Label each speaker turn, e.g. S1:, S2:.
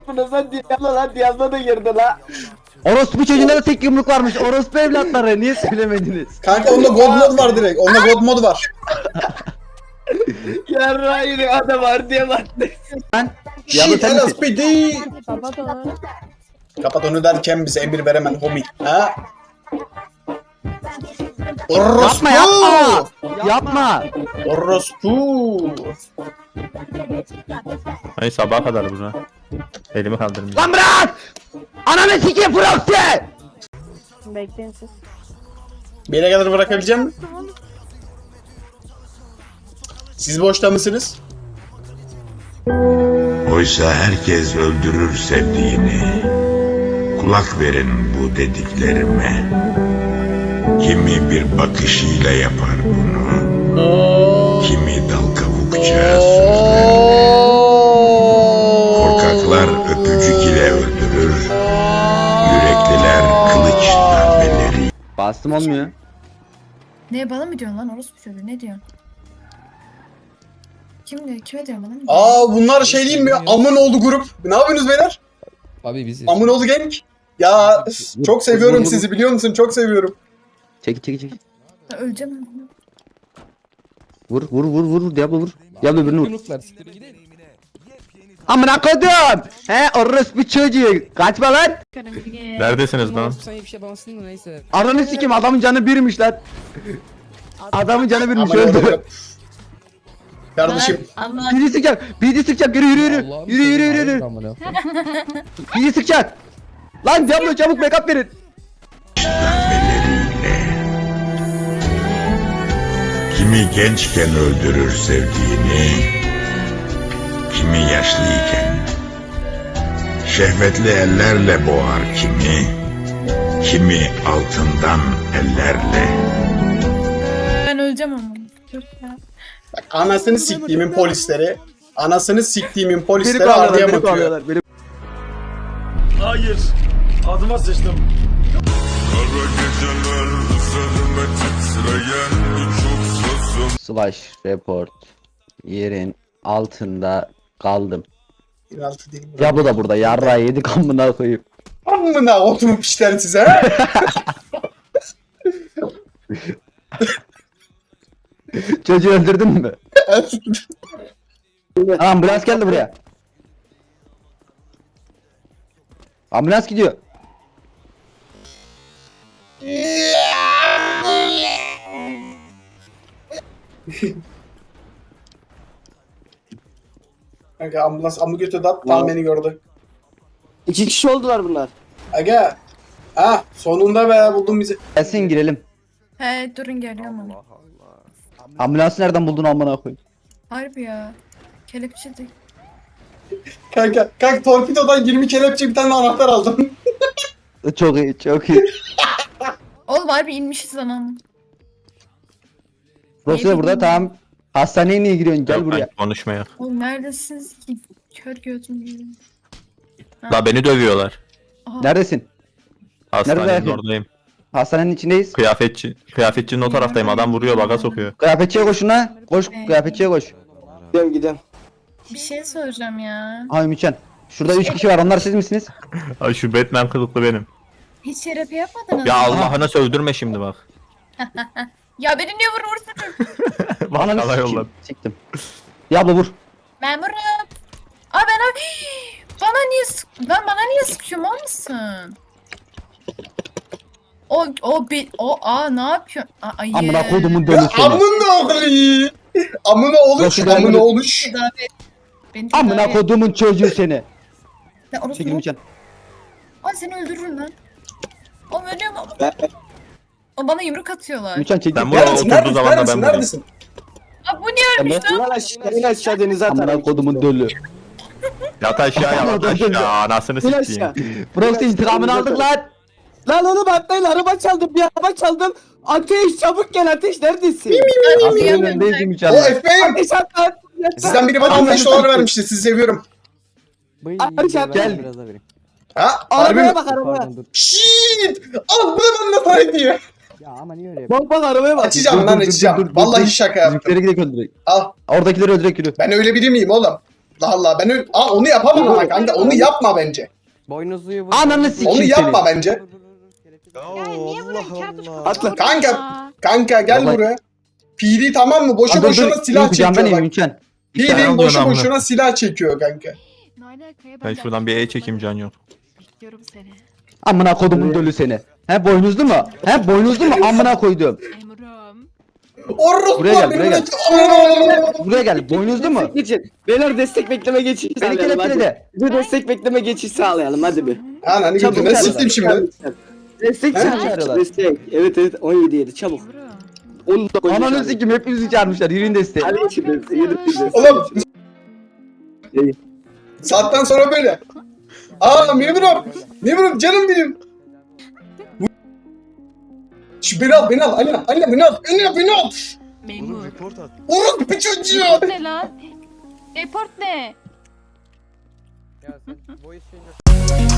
S1: Bunu sen Diablo lan, Diablo da girdi la.
S2: Orospu çocuğunda da tek yumruk varmış. Orospu evlatları niye söylemediniz?
S3: Kanka onda God mod var direkt. Onda God mod var.
S1: Yarra yine adam var diye baktı.
S2: Diablo
S3: Shit
S2: sen misin?
S3: LSPD.
S4: Kapat onu.
S3: Kapat onu derken bize emir veremem homie. Ha?
S2: Yapma yapma. Yapma.
S3: Orospu.
S5: Ay sabaha kadar buna. Elimi kaldırmayacağım.
S2: Lan bırak. Ananı sikeyim Proxy.
S4: Bekleyin siz.
S3: Bir yere kadar bırakabileceğim mi? Siz boşta mısınız?
S6: Oysa herkes öldürür sevdiğini. Kulak verin bu dediklerime. Kimi bir bakışıyla yapar bunu. Kimi dal kavukça sözlerle. Korkaklar öpücük ile öldürür. Yürekliler kılıç darbeleri.
S2: Bastım olmuyor.
S7: Ne bana mı diyorsun lan orospu çocuğu ne diyorsun? Kim diyor? Kime diyor bana mı?
S3: Aa bunlar şey değil mi? Amınoğlu grup. Ne yapıyorsunuz beyler?
S8: Abi biziz.
S3: Amınoğlu gang. Ya çok seviyorum sizi biliyor musun? Çok seviyorum.
S2: Çek.
S7: Ya öleceğim ben.
S2: Vur Diablo vur. Diablo birini vur.
S8: Yumruklar siktir gidelim.
S2: Amına koydum. He orospu çocuğu. Kaçma lan.
S5: Neredesiniz lan?
S8: Sen iyi bir şey yapamazsın da neyse.
S2: Ananı sikeyim adamın canı birmiş lan. Adamın canı birmiş
S3: Amınoğlu
S2: öldü.
S3: grup. Kardeşim.
S7: Ama
S2: Biri sıkacak. Biri sıkacak. Yürü.
S8: Allah'ım
S2: Yürü.
S8: seni amına.
S2: Biri sıkacak. Lan Diablo çabuk backup verin.
S6: Darbeleriyle. Kimi gençken öldürür sevdiğini. Kimi yaşlıyken. Şehvetli ellerle boğar kimi. Kimi altından ellerle.
S7: ben öleceğim ama. Dur ya.
S3: Bak anasını siktiğimin polisleri. Anasını siktiğimin
S2: Beni
S3: polisleri ardıya
S2: kovalıyorlar. Beni
S3: bakıyor.
S2: kovalıyorlar. Beni
S9: Hayır. Adıma sıçtım.
S6: Kara geceler üzerime titreyen çok sözüm.
S2: Slash report. Yerin altında kaldım.
S3: 26 değil mi?
S2: Diablo da burada. Yarra yedik amına koyayım.
S3: Amına otumu pişler size ha?
S2: Çocuğu öldürdün mü? Ambulans geldi buraya. Ambulans gidiyor.
S3: Kanka ambulans amı götürdü at tam beni gördü.
S1: 2 kişi oldular bunlar.
S3: Aga. Ha sonunda be buldun bizi.
S2: Gelsin girelim.
S7: He durun geliyorum ama.
S2: Ambulansı nereden buldun amına koyayım?
S7: Harbi ya. Kelepçedik.
S3: Kanka torpidodan 20 kelepçe bir tane anahtar aldım.
S2: Çok iyi, çok iyi.
S7: Oğlum harbi inmişiz lan.
S2: Dosya burada tamam. Hastaneye niye giriyorsun? Gel
S5: Yok,
S2: buraya.
S5: lan, konuşmaya.
S7: Oğlum neredesiniz ki? Kör gözüm gibi.
S5: La beni dövüyorlar.
S2: Neredesin?
S5: Hastanenin
S2: Nerede?
S5: oradayım.
S2: Hastanenin içindeyiz.
S5: Kıyafetçinin o taraftayım. Adam vuruyor, baga sokuyor.
S2: Kıyafetçiye koşun ha. Koş kıyafetçiye koş.
S1: Gidelim.
S7: Bir şey soracağım ya.
S2: Ay Müçen. Şurada 3 kişi var. Onlar siz misiniz?
S5: Ay şu Batman kılıklı benim.
S7: Hiç terapi yapmadınız
S5: Ya
S7: mı?
S5: Allah'ına sövdürme şimdi bak.
S7: Ya beni niye vurursun?
S2: Ananı
S5: Bakkala
S2: sikeyim.
S5: yolladım.
S2: Siktim. Diablo vur.
S7: Memurum. Aa ben bana niye bana niye sıkıyorum mal mısın? Ne yapıyor? Ayı.
S2: Amına koydumun dönü
S3: Ya
S2: seni.
S3: amına oğlu. Amına oluş.
S2: Nasıl
S3: Amına
S2: gelmedi?
S3: oluş.
S7: Tedavi et. Beni tedavi
S2: Amına
S7: et.
S2: koydumun çocuğu seni.
S7: Ya orası
S2: Çekil
S7: mı?
S2: Müçen.
S7: Ay seni öldürürüm lan. Oğlum ölüyorum ama. O bana yumruk atıyorlar.
S2: Müçen çekil.
S5: Ben buraya
S3: Neredesin?
S5: oturduğu zaman da ben
S3: Neredesin?
S5: buradayım.
S3: Neredesin?
S7: Aa bu niye ölmüş lan?
S1: İn aşağı denize atar.
S2: Amına koydumun dölü.
S5: Yat aşağı yat aşağı. Anasını
S1: İn aşağı.
S5: sikeyim.
S2: Proxy intikamını aldık lan.
S1: Lan oğlum atlayın, araba çaldım, bir araba çaldım. Ateş çabuk gel, Ateş neredesin?
S2: Hastanın önündeyiz
S3: O
S2: Müçen.
S3: FBI'm.
S1: Ateş at lan.
S3: Sizden biri bana 15 dolar vermişti. Sizi seviyorum.
S1: Ateş at
S2: Gel.
S3: Ha? Harbi mi?
S1: Arabaya bak, arabaya.
S3: Shit! Al bunu bana para diye.
S1: Bak bak arabaya bak.
S3: Açacağım lan açacağım. Vallahi şaka yaptım.
S2: Bizimkileri gidelim öldürek.
S3: Al.
S2: Oradakileri öldürek yürü.
S3: Ben öyle biri miyim oğlum? Allah Allah ben öyle... Aa, onu yapamam ama kanka onu yapma bence.
S2: Boynuzluyu Ananı sikeyim
S3: Onu yapma
S2: seni.
S3: bence.
S1: Atla.
S3: Kanka gel
S2: Baba.
S3: buraya. PD tamam mı? Boşu boşuna silah çekiyor
S2: Ben
S3: bak.
S2: Mümkün.
S5: tane
S3: PD
S5: alıyorsun
S3: boşu
S5: amına.
S3: boşuna silah çekiyor kanka.
S5: Ben şuradan bir E çekeyim can yok.
S7: Bekliyorum seni.
S2: Amına kodumun dölü seni. He boynuzlu mu? He boynuzlu mu? Amına koydum.
S7: Emrem.
S3: Orospu
S2: Buraya gel, buraya gel.
S3: Aa!
S2: Buraya gel. Boynuzlu mu?
S1: Destek geçin. Beyler destek bekleme geçişi
S2: Beni
S1: sağlayalım hadi.
S2: kelepçele.
S1: Bir destek bekleme geçişi sağlayalım hadi bir.
S3: Ananı
S1: Çabuk
S3: götüne
S1: çağır.
S3: siktim şimdi.
S1: Destek
S2: He?
S1: çağır. Destek. Evet 17 7 çabuk. 19
S2: Ananı sikeyim hepinizi çağırmışlar. Yürüyün desteği.
S1: Hadi geçin. Yürü.
S3: Oğlum. Saatten sonra böyle. Aa memurum. Memurum canım benim. Şu beni al. Anne beni al.
S7: Memur.
S3: Orospu çocuğu.
S7: Report ne lan? Report ne?